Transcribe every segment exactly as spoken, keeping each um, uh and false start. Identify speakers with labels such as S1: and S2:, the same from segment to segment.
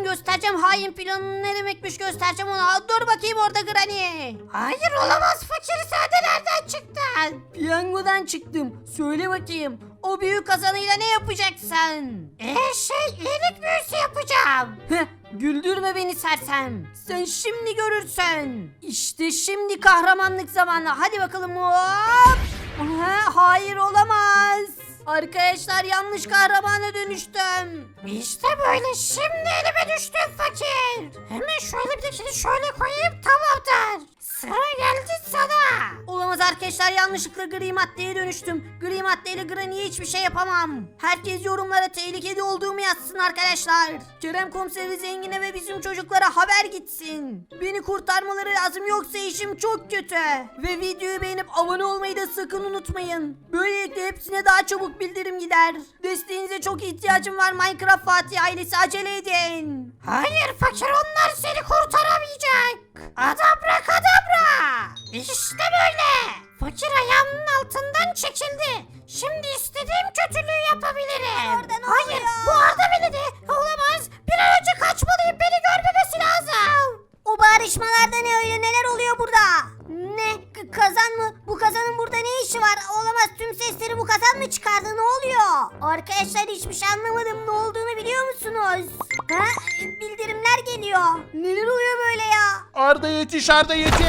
S1: göstereceğim hain planının ne demekmiş göstereceğim ona. Dur bakayım orada Granny.
S2: Hayır olamaz fakir, sen de nereden çıktın?
S1: Piyangodan çıktım. Söyle bakayım. O büyük kazanıyla ne yapacaksın?
S2: Eee şey iyilik büyüsü yapacağım.
S1: Heh, güldürme beni sersem. Sen şimdi görürsün. İşte şimdi kahramanlık zamanı. Hadi bakalım hop. Aha, hayır olamaz. Arkadaşlar yanlış kahramana dönüştüm.
S2: İşte böyle, şimdi elime düştün fakir. Hemen şöyle bir de şöyle koyayım, tamamdır. Sıra geldi sana.
S1: Olamaz arkadaşlar yanlışlıkla gri maddeye dönüştüm. Gri maddeyle Granny'ye hiçbir şey yapamam. Herkes yorumlara tehlikeli olduğumu yazsın arkadaşlar. Kerem Komiseri Zengin'e ve bizim çocuklara haber gitsin. Beni kurtarmaları lazım yoksa işim çok kötü. Ve videoyu beğenip abone olmayı da sakın unutmayın. Böylelikle hepsine daha çabuk bildirim gider. Desteğinize çok ihtiyacım var Minecraft Fatih ailesi, acele edin.
S2: Hayır fakir, onlar seni kurtaramayacak. Adabrakadabra. İşte böyle. Fakir ayağımın altından çekildi. Şimdi istediğim kötülüğü yapabilirim.
S1: Orada ne
S2: Hayır,
S1: oluyor?
S2: bu Arda beni de olamaz. Bir an önce kaçmalıyım, beni görmemesi lazım.
S1: O bağırışmalarda ne öyle, neler oluyor burada? Ne? K- kazan mı? Bu kazanın burada ne işi var? Olamaz, tüm sesleri bu kazan mı çıkardı, ne oluyor? Arkadaşlar hiçbir şey anlamadım, ne olduğunu biliyor musunuz? Ha? Bildirimler geliyor. Neler oluyor böyle ya?
S3: Arda yetiş, Arda yetiş.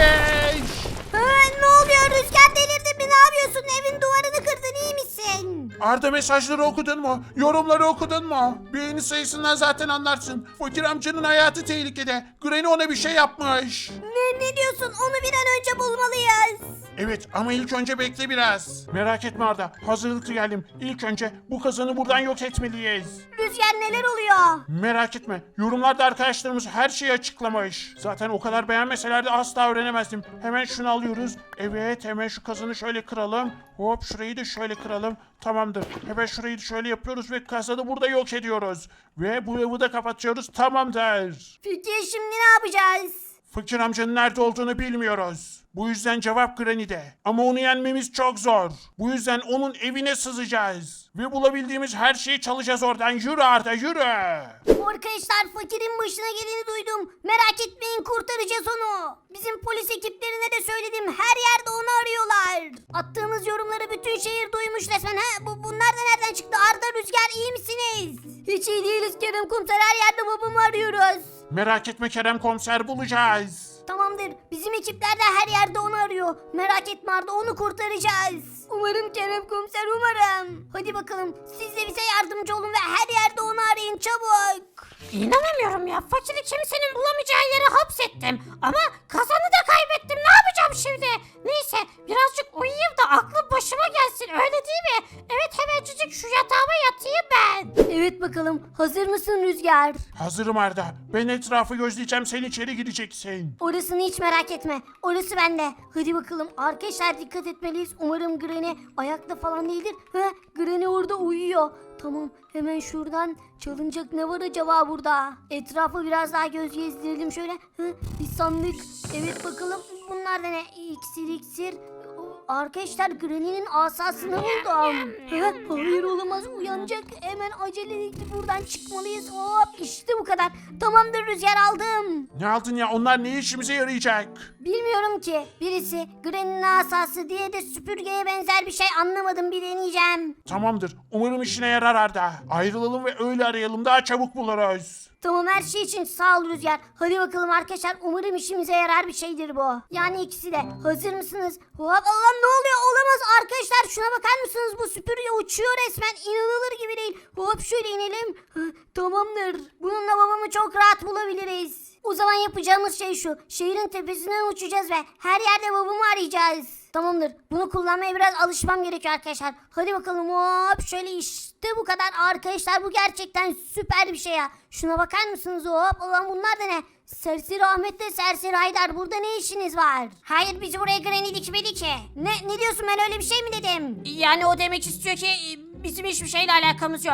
S1: Ha, ne oluyor? Rüzgar delirdin mi? Ne yapıyorsun? Evin duvarını kırdın, iyi misin?
S3: Arda mesajları okudun mu? Yorumları okudun mu? Beğeni sayısından zaten anlarsın. Fakir amcanın hayatı tehlikede. Granny ona bir şey yapmış.
S1: Ne, ne diyorsun? Onu bir an önce bulmalıyız.
S3: Evet ama ilk önce bekle biraz. Merak etme Arda. Hazırlıklı geldim. İlk önce bu kazanı buradan yok etmeliyiz.
S1: Rüzgar neler oluyor?
S3: Merak etme. Yorumlarda arkadaşlarımız her şeyi açıklamış. Zaten o kadar beğenmeselerdi asla öğrenemezdim. Hemen şunu alıyoruz. Evet, hemen şu kazanı şöyle kıralım. Hop, şurayı da şöyle kıralım. Tamamdır. Hemen şurayı da şöyle yapıyoruz ve kazanı burada yok ediyoruz. Ve bu evi de kapatıyoruz. Tamamdır.
S1: Peki şimdi ne yapacağız?
S3: Fakir amcanın nerede olduğunu bilmiyoruz. Bu yüzden cevap Granny'de. Ama onu yenmemiz çok zor. Bu yüzden onun evine sızacağız. Ve bulabildiğimiz her şeyi çalacağız oradan. Yürü Arda, yürü.
S1: Arkadaşlar fakirin başına geleni duydum. Merak etmeyin, kurtaracağız onu. Bizim polis ekiplerine de söyledim. Her yerde onu arıyorlar. Attığımız yorumları bütün şehir duymuş resmen. Ha? Bu, bunlar da nereden çıktı? Arda, Rüzgar, iyi misiniz? Hiç iyi değiliz Kerem Komiser. Her yerde babamı arıyoruz.
S3: Merak etme Kerem Komiser, bulacağız.
S1: Tamamdır. Bizim ekipler de her yerde onu arıyor. Merak etme Arda, onu kurtaracağız. Umarım Kerem Komiser, umarım. Hadi bakalım, siz de bize yardımcı olun ve her yerde onu arayın çabuk.
S2: İnanamıyorum ya, fakiri kimsenin bulamayacağı yere hapsettim. Ama kazanı da kaybettim, ne yapacağım şimdi? Neyse, birazcık uyuyayım da aklım başıma gelsin, öyle değil mi? Evet, hemencecik şu yatağıma yatayım ben.
S1: Evet bakalım, hazır mısın Rüzgar?
S3: Hazırım Arda. Ben etrafı gözleyeceğim, sen içeri gireceksin.
S1: Orasını hiç merak etme. Orası bende. Hadi bakalım. Arkadaşlar dikkat etmeliyiz. Umarım Granny ayakta falan değildir. He, Granny orada uyuyor. Tamam, hemen şuradan çalınacak ne var acaba burada? Etrafı biraz daha göz gezdirelim şöyle. Hı, bir sandık. Evet bakalım. Bunlar da ne? İksir iksir. Arkadaşlar Granny'nin asasını buldum. He, hayır olamaz, uyanacak. Hemen acele buradan çıkmalıyız. Hop, işte bu kadar. Tamamdır Rüzgar, aldım.
S3: Ne aldın ya? Onlar ne işimize yarayacak?
S1: Bilmiyorum ki. Birisi Granny'nin asası, diye de süpürgeye benzer bir şey, anlamadım, bir deneyeceğim.
S3: Tamamdır. Umarım işine yarar Arda. Ayrılalım ve öyle arayalım, daha çabuk buluruz.
S1: Tamam, her şey için sağ ol Rüzgar. Hadi bakalım arkadaşlar, umarım işimize yarar bir şeydir bu. Yani ikisi de. Hazır mısınız? Hop, Allah'ım ne oluyor? Olamaz arkadaşlar, şuna bakar mısınız? Bu süpürge uçuyor resmen, inanılır gibi değil. Hop, şöyle inelim. Hı, tamamdır. Bununla babamı çok rahat bulabiliriz. O zaman yapacağımız şey şu. Şehrin tepesinden uçacağız ve her yerde babamı arayacağız. Tamamdır. Bunu kullanmaya biraz alışmam gerekiyor arkadaşlar. Hadi bakalım, hop, şöyle işte bu kadar arkadaşlar. Bu gerçekten süper bir şey ya. Şuna bakar mısınız? Hop, ulan bunlar da ne? Serseri Ahmet'le Serseri Haydar, burada ne işiniz var?
S2: Hayır, bizi buraya Granny dikmedi ki.
S1: Ne ne diyorsun, ben öyle bir şey mi dedim?
S2: Yani o demek istiyor ki bizim hiçbir şeyle alakamız yok.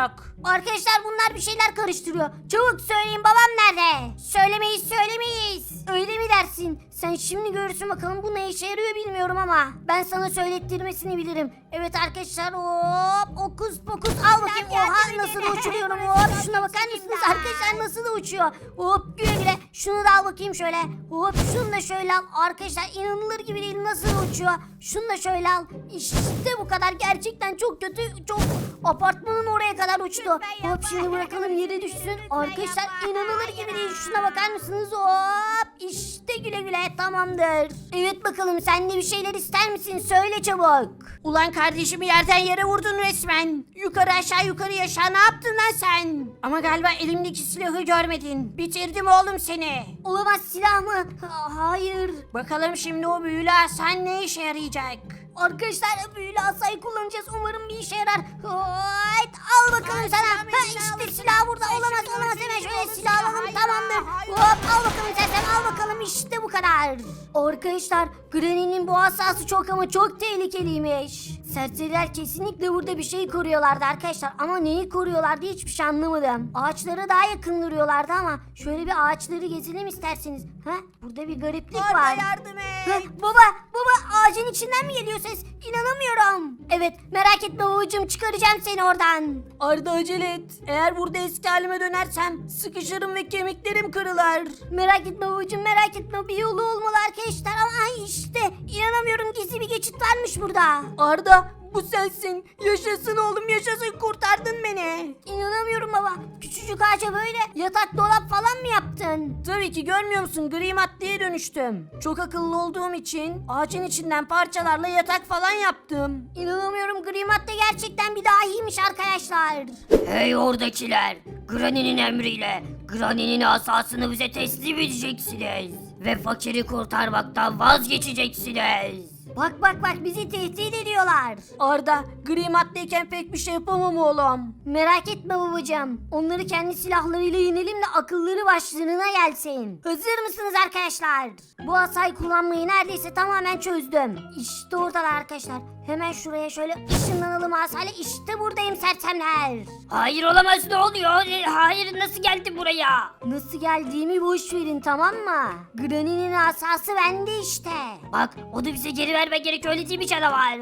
S1: Arkadaşlar bunlar bir şeyler karıştırıyor. Çabuk söyleyin, babam nerede? Söylemeyiz söylemeyiz. Öyle mi dersin? Sen şimdi görürsün bakalım, bu ne işe yarıyor bilmiyorum ama ben sana söylettirmesini bilirim. Evet arkadaşlar, hop okus pokus, al bakayım. Oha nasıl da uçuruyorum, hop şuna bakar mısınız arkadaşlar, nasıl da uçuyor. Hop güle güle, şunu da al bakayım şöyle. Hop şunu da şöyle al. Arkadaşlar inanılır gibi değil, nasıl da uçuyor. Şunu da şöyle al. İşte bu kadar, gerçekten çok kötü, çok apartmanın oraya kadar uçtu. Hop şimdi bırakalım yere düşsün. Arkadaşlar inanılır gibi değil, şuna bakar mısınız? Hop işte güle güle, tamamdır. Evet bakalım, sen de bir şeyler ister misin? Söyle çabuk.
S2: Ulan kardeşimi yerden yere vurdun resmen. Yukarı aşağı yukarı aşağı ne yaptın lan sen? Ama galiba elimdeki silahı görmedin. Bitirdim oğlum seni.
S1: Olamaz, silah mı? Ha- hayır.
S2: Bakalım şimdi o büyülü asan ne işe yarayacak?
S1: Arkadaşlar büyülü asayı kullanacağız. Umarım bir işe yarar. Hayt, al bakalım sana. Ha, işte silah burada. Olamaz olamaz, hemen şöyle silah alalım, tamamdır. Hop al bakalım sen, sen al bakalım, işte bu kadar. Arkadaşlar Granny'nin bu asası çok ama çok tehlikeliymiş. Serseriler kesinlikle burada bir şey koruyorlardı arkadaşlar. Ama neyi koruyorlardı hiçbir şey anlamadım. Ağaçlara daha yakın duruyorlardı ama şöyle bir ağaçları gezelim isterseniz. Ha? Burada bir gariplik var.
S2: yardım
S1: Ha, baba baba, ağacın içinden mi geliyor ses? İnanamıyorum. Evet merak etme babacığım, çıkaracağım seni oradan.
S2: Arda acele et. Eğer burada eski halime dönersem sıkışırım ve kemiklerim kırılır.
S1: Merak etme babacığım, merak etme, bir yolu olmalı arkadaşlar. Ama ay işte inanamıyorum, gizli bir geçit varmış burada.
S2: Arda bu sensin. Yaşasın oğlum yaşasın, kurtardın beni.
S1: İnanamıyorum baba, küçücük ağaca böyle yatak dolap falan mı yaptın?
S2: Tabii ki, görmüyor musun? Gri maddeye dönüştüm. Çok akıllı olduğum için ağacın içinden parçalarla yatak falan yaptım.
S1: İnanamıyorum, gri madde gerçekten bir dahiymiş arkadaşlar.
S4: Hey oradakiler! Granny'nin emriyle Granny'nin asasını bize teslim edeceksiniz. Ve fakiri kurtarmaktan vazgeçeceksiniz.
S1: Bak bak bak, bizi tehdit ediyorlar.
S2: Arda gri maddeyken pek bir şey yapamam oğlum.
S1: Merak etme babacığım. Onları kendi silahlarıyla yenelim de akılları başlarına gelsin. Hazır mısınız arkadaşlar? Bu asayı kullanmayı neredeyse tamamen çözdüm. İşte oradalar arkadaşlar. Hemen şuraya şöyle ışınlanalım asayla. İşte buradayım sersemler.
S4: Hayır olamaz, ne oluyor? E, Hayır, nasıl geldi buraya?
S1: Nasıl geldiğimi boş verin, tamam mı? Granny'nin asası bende işte.
S4: Bak, onu bize geri verme gerek, öyle değil mi canavar?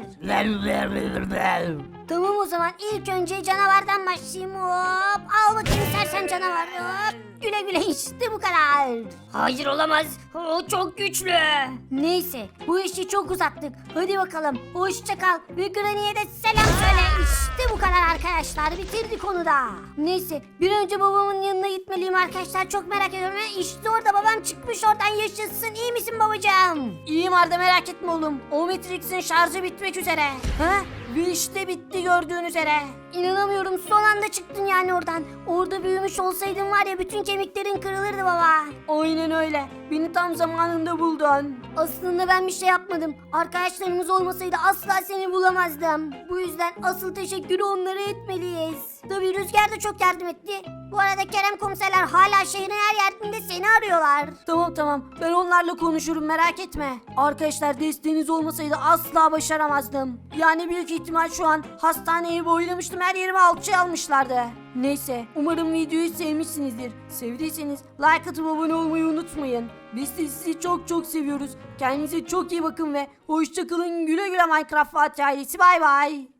S1: Tamam o zaman, ilk önce canavardan başlayayım. Hop al bakayım sersem canavar. Hop güle güle, işte bu kadar.
S4: Hayır olamaz, o çok güçlü.
S1: Neyse bu işi çok uzattık. Hadi bakalım hoşça kal ve Granny'e de selam söyle. İşte bu kadar arkadaşlar, bitirdik onu da. Neyse bir önce babamın yanına gitmeliyim arkadaşlar, çok merak ediyorum. Ha, İşte orada babam çıkmış oradan, yaşasın. İyi misin babacığım?
S2: İyiyim Arda, merak etme oğlum. O Matrix'in şarjı bitmek üzere. Ha? Ve işte bitti gördüğün üzere.
S1: İnanamıyorum, son anda çıktın yani oradan. Orada büyümüş olsaydın var ya, bütün kemiklerin kırılırdı baba.
S2: Aynen öyle. Beni tam zamanında buldun.
S1: Aslında ben bir şey yapmadım. Arkadaşlarımız olmasaydı asla seni bulamazdım. Bu yüzden asıl teşekkürü onlara etmeliyiz. Tabii Rüzgar da çok yardım etti. Bu arada Kerem komiserler hala şehrin her yerinde seni arıyorlar.
S2: Tamam tamam, ben onlarla konuşurum, merak etme. Arkadaşlar desteğiniz olmasaydı asla başaramazdım. Yani büyük ihtimal şu an hastaneyi boylamıştım, her yerime alçı almışlardı. Neyse, umarım videoyu sevmişsinizdir. Sevdiyseniz like atıp abone olmayı unutmayın. Biz de sizi çok çok seviyoruz. Kendinize çok iyi bakın ve hoşça kalın, güle güle Minecraft Fatih ailesi, bay bay.